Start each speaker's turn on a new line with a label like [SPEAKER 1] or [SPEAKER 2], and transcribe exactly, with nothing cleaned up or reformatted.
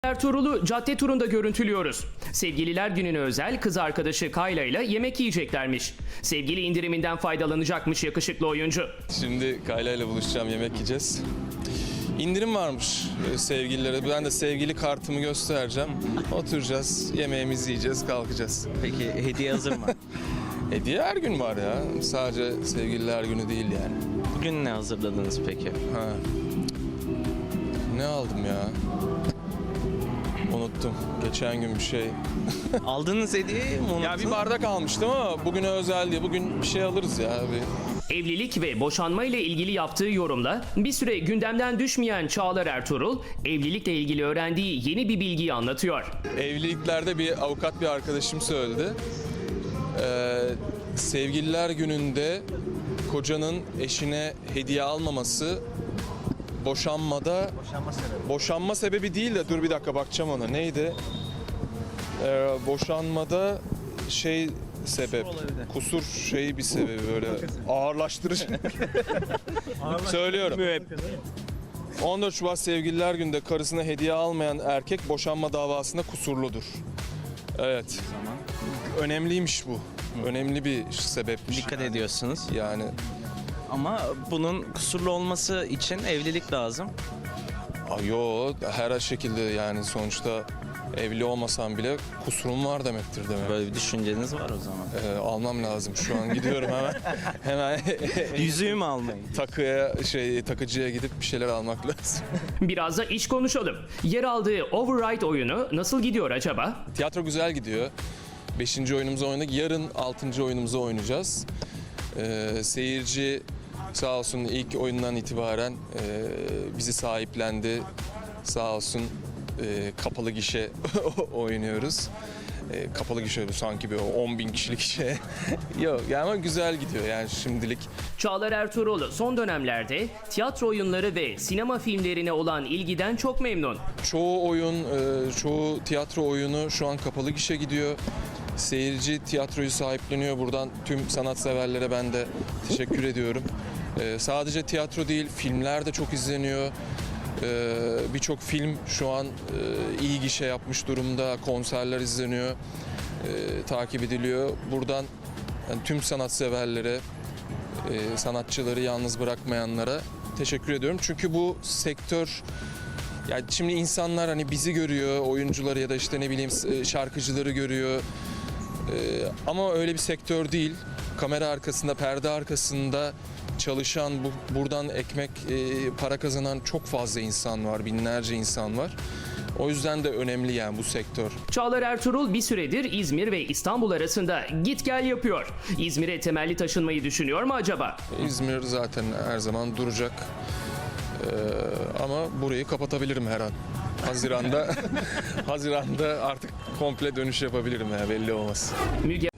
[SPEAKER 1] Ertuğrul'u cadde turunda görüntülüyoruz. Sevgililer gününe özel kız arkadaşı Kayla ile yemek yiyeceklermiş. Sevgili indiriminden faydalanacakmış yakışıklı oyuncu.
[SPEAKER 2] Şimdi Kayla ile buluşacağım, yemek yiyeceğiz. İndirim varmış sevgililere. Ben de sevgili kartımı göstereceğim. Oturacağız, yemeğimizi yiyeceğiz, kalkacağız.
[SPEAKER 3] Peki hediye hazır mı?
[SPEAKER 2] Hediye her gün var ya. Sadece sevgililer günü değil yani.
[SPEAKER 3] Bugün ne hazırladınız peki?
[SPEAKER 2] Ha. Ne aldım ya? Unuttum. Geçen gün bir şey.
[SPEAKER 3] Aldığınız hediyeyi mi unuttunuz?
[SPEAKER 2] Ya bir bardak almıştım ama bugüne özel diye. Bugün bir şey alırız ya. Bir...
[SPEAKER 1] Evlilik ve boşanma ile ilgili yaptığı yorumla bir süre gündemden düşmeyen Çağlar Ertuğrul, evlilikle ilgili öğrendiği yeni bir bilgiyi anlatıyor.
[SPEAKER 2] Evliliklerde bir avukat bir arkadaşım söyledi. Ee, sevgililer gününde kocanın eşine hediye almaması boşanmada
[SPEAKER 3] Boşanma sebebi.
[SPEAKER 2] boşanma sebebi değil de dur bir dakika bakacağım ona. Neydi? Ee, boşanmada şey sebep.
[SPEAKER 3] olabilir.
[SPEAKER 2] Kusur şeyi bir sebebi böyle ağırlaştırıcı. Söylüyorum. on dört Şubat Sevgililer Günü'nde karısına hediye almayan erkek boşanma davasında kusurludur. Evet. Önemliymiş bu. Önemli bir sebepmiş.
[SPEAKER 3] Dikkat ediyorsunuz.
[SPEAKER 2] Yani
[SPEAKER 3] Ama bunun kusurlu olması için evlilik lazım.
[SPEAKER 2] a, yo her şekilde yani sonuçta evli olmasam bile kusurum var demektir demek.
[SPEAKER 3] Böyle bir düşünceniz var o zaman.
[SPEAKER 2] Ee, almam lazım şu an gidiyorum hemen. Hemen
[SPEAKER 3] Yüzüğü mü almayın?
[SPEAKER 2] takıya şey takıcıya gidip bir şeyler almak lazım.
[SPEAKER 1] Biraz da iş konuşalım. Yer aldığı Override oyunu nasıl gidiyor acaba?
[SPEAKER 2] Tiyatro güzel gidiyor. Beşinci oyunumuzu oynadık. Yarın altıncı oyunumuzu oynayacağız. Ee, seyirci sağ olsun ilk oyundan itibaren e, bizi sahiplendi. Sağ olsun e, kapalı gişe oynuyoruz. E, kapalı gişe sanki bir on bin kişilik şey. Yok yani ama güzel gidiyor yani şimdilik.
[SPEAKER 1] Çağlar Ertuğrul son dönemlerde tiyatro oyunları ve sinema filmlerine olan ilgiden çok memnun.
[SPEAKER 2] Çoğu oyun, e, çoğu tiyatro oyunu şu an kapalı gişe gidiyor. Seyirci tiyatroyu sahipleniyor. Buradan tüm sanatseverlere ben de teşekkür ediyorum. E, sadece tiyatro değil, filmler de çok izleniyor. E, Birçok film şu an e, iyi gişe yapmış durumda. Konserler izleniyor, e, takip ediliyor. Buradan yani tüm sanatseverlere, e, sanatçıları yalnız bırakmayanlara teşekkür ediyorum. Çünkü bu sektör... Yani şimdi insanlar hani bizi görüyor, oyuncuları ya da işte ne bileyim şarkıcıları görüyor. Ee, ama öyle bir sektör değil. Kamera arkasında, perde arkasında çalışan, bu, buradan ekmek, e, para kazanan çok fazla insan var, binlerce insan var. O yüzden de önemli yani bu sektör.
[SPEAKER 1] Çağlar Ertuğrul bir süredir İzmir ve İstanbul arasında git gel yapıyor. İzmir'e temelli taşınmayı düşünüyor mu acaba?
[SPEAKER 2] İzmir zaten her zaman duracak. Ee, ama burayı kapatabilirim her an. Haziranda, Haziranda artık komple dönüş yapabilirim ya belli olmaz.
[SPEAKER 1] Müge